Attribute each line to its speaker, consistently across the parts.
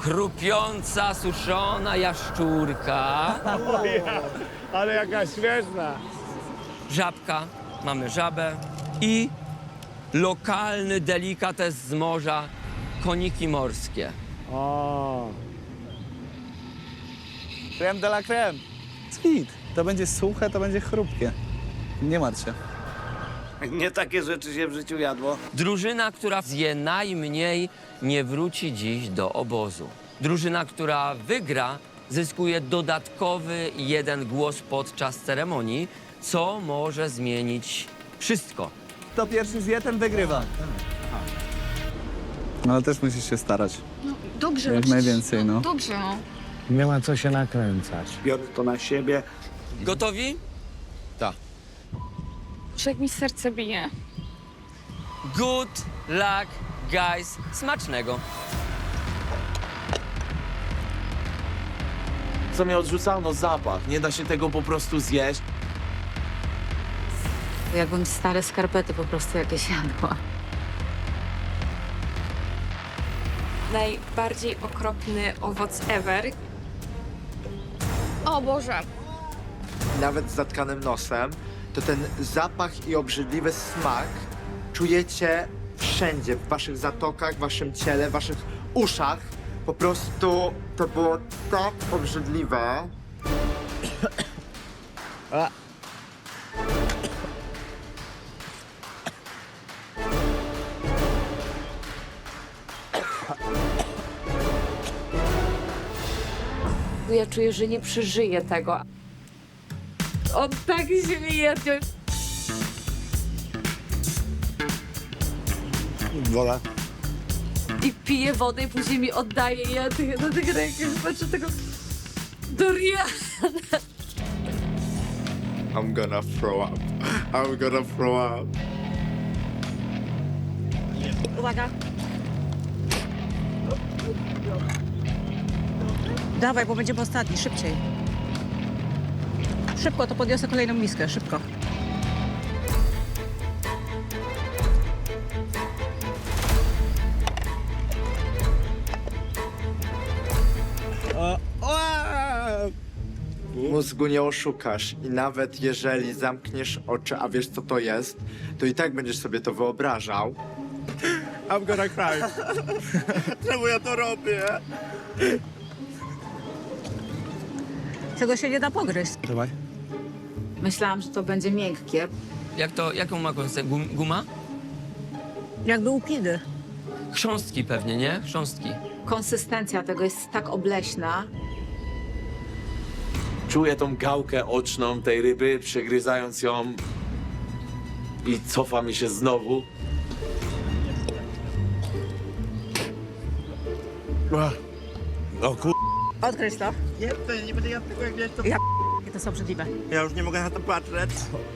Speaker 1: chrupiąca, suszona jaszczurka.
Speaker 2: Ale jaka śmieszna.
Speaker 1: Żabka, mamy żabę i lokalny delikates z morza, koniki morskie.
Speaker 2: O,
Speaker 3: Creme de la creme. Kwit. To będzie suche, to będzie chrupkie. Nie martw się.
Speaker 4: Nie takie rzeczy się w życiu jadło.
Speaker 1: Drużyna, która zje najmniej, nie wróci dziś do obozu. Drużyna, która wygra, zyskuje dodatkowy 1 głos podczas ceremonii, co może zmienić wszystko.
Speaker 3: Kto pierwszy zje, ten wygrywa. No ale też musisz się starać.
Speaker 5: Dobrze.
Speaker 3: Jak
Speaker 5: przecież-
Speaker 3: najwięcej, no.
Speaker 5: Dobrze, no.
Speaker 2: nie ma co się nakręcać.
Speaker 4: Biorę to na siebie.
Speaker 1: Gotowi?
Speaker 5: Że jak mi serce bije.
Speaker 1: Good luck, guys. Smacznego.
Speaker 6: Co mnie odrzucało? No zapach. Nie da się tego po prostu zjeść.
Speaker 7: Jakbym stare skarpety po prostu jakieś jadła.
Speaker 5: Najbardziej okropny owoc ever. O Boże.
Speaker 8: Nawet z zatkanym nosem, to ten zapach i obrzydliwy smak czujecie wszędzie, w waszych zatokach, w waszym ciele, w waszych uszach. Po prostu to było tak obrzydliwe.
Speaker 7: Ja czuję, że nie przeżyję tego. On tak śmieje.
Speaker 2: Wola.
Speaker 7: I pije wodę i później mi oddaje. I ja na tych rękach patrzę tego Doriana.
Speaker 8: I'm gonna throw up. I'm gonna throw up.
Speaker 9: Uwaga. Dawaj, bo będziemy ostatni, szybciej. Szybko, to podniosę kolejną miskę, szybko.
Speaker 8: Mózgu nie oszukasz i nawet jeżeli zamkniesz oczy, a wiesz co to jest, to i tak będziesz sobie to wyobrażał. I'm gonna cry. Czemu ja to robię?
Speaker 9: Tego się nie da pogryźć.
Speaker 3: Dawaj.
Speaker 7: Myślałam, że to będzie miękkie.
Speaker 1: Jaką ma konsystencję? Guma?
Speaker 9: Jakby łupiny.
Speaker 1: Chrząstki pewnie, nie? Chrząstki.
Speaker 7: Konsystencja tego jest tak obleśna.
Speaker 6: Czuję tą gałkę oczną tej ryby, przegryzając ją i cofa mi się znowu.
Speaker 2: O kur...
Speaker 9: Odkryć to.
Speaker 4: Nie, to nie będę jadł tego, jak wiesz, to...
Speaker 9: To są obrzydliwe.
Speaker 4: Ja już nie mogę na to patrzeć.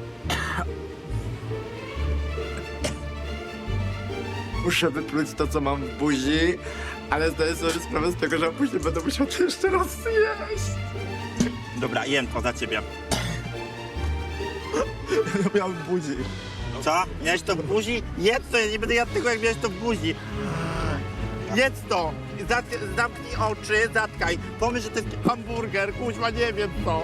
Speaker 8: Muszę wypluć to, co mam w buzi, ale zdaję sobie sprawę z tego, że później będę musiał to jeszcze raz zjeść.
Speaker 4: Dobra, jem to za ciebie.
Speaker 8: Ja miałem w buzi.
Speaker 4: Co? Miałeś to w buzi? Jedz to, ja nie będę jadł tego, jak miałeś to w buzi. Jedz to! Zamknij oczy, zatkaj. Pomyśl, że to jest hamburger, kuźma, nie wiem co.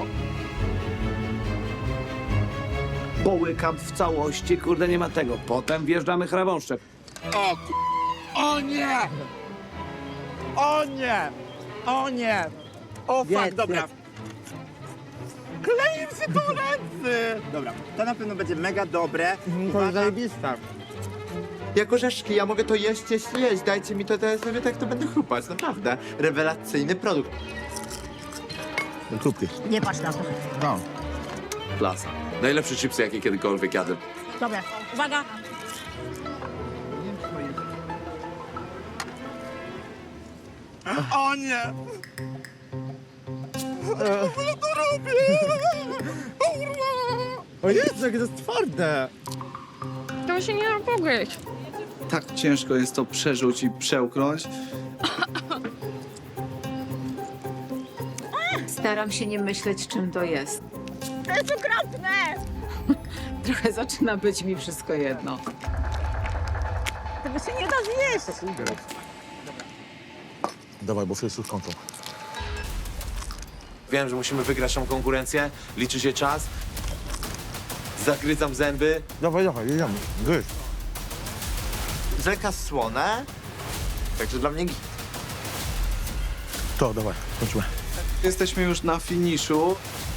Speaker 10: Połykam w całości, kurde, nie ma tego. Potem wjeżdżamy chrabąszczek.
Speaker 4: O, o nie! O nie! O nie! O fuck,
Speaker 9: Jedz,
Speaker 4: dobra.
Speaker 9: jedz.
Speaker 4: Kleję się tu ręce! Dobra, to na pewno będzie mega dobre.
Speaker 8: To jest zajebista. Jak orzeszki, ja mogę to jeść, dajcie mi to, to ja sobie tak to będę chrupać, naprawdę. Rewelacyjny produkt.
Speaker 2: Krupki.
Speaker 9: Nie patrz na to.
Speaker 2: No.
Speaker 6: Klasa. Najlepsze chipsy, jakie kiedykolwiek jadłem.
Speaker 9: Dobra, uwaga.
Speaker 4: O nie!
Speaker 8: O Jezu, jakie to jest twarde.
Speaker 5: To się nie da pogryźć.
Speaker 3: Tak ciężko jest to przerzuć i przełknąć.
Speaker 7: Staram się nie myśleć, czym to jest.
Speaker 9: To jest okropne!
Speaker 7: Trochę zaczyna być mi wszystko jedno.
Speaker 9: Tego się nie da zjeść.
Speaker 2: Dawaj, bo wszyscy skończą.
Speaker 6: Wiem, że musimy wygrać tą konkurencję, liczy się czas. Zagryzam zęby.
Speaker 2: Dawaj, jedziemy. Gryź.
Speaker 8: Rzeka słone, także dla mnie git.
Speaker 2: To, dawaj, kończymy.
Speaker 3: Jesteśmy już na finiszu.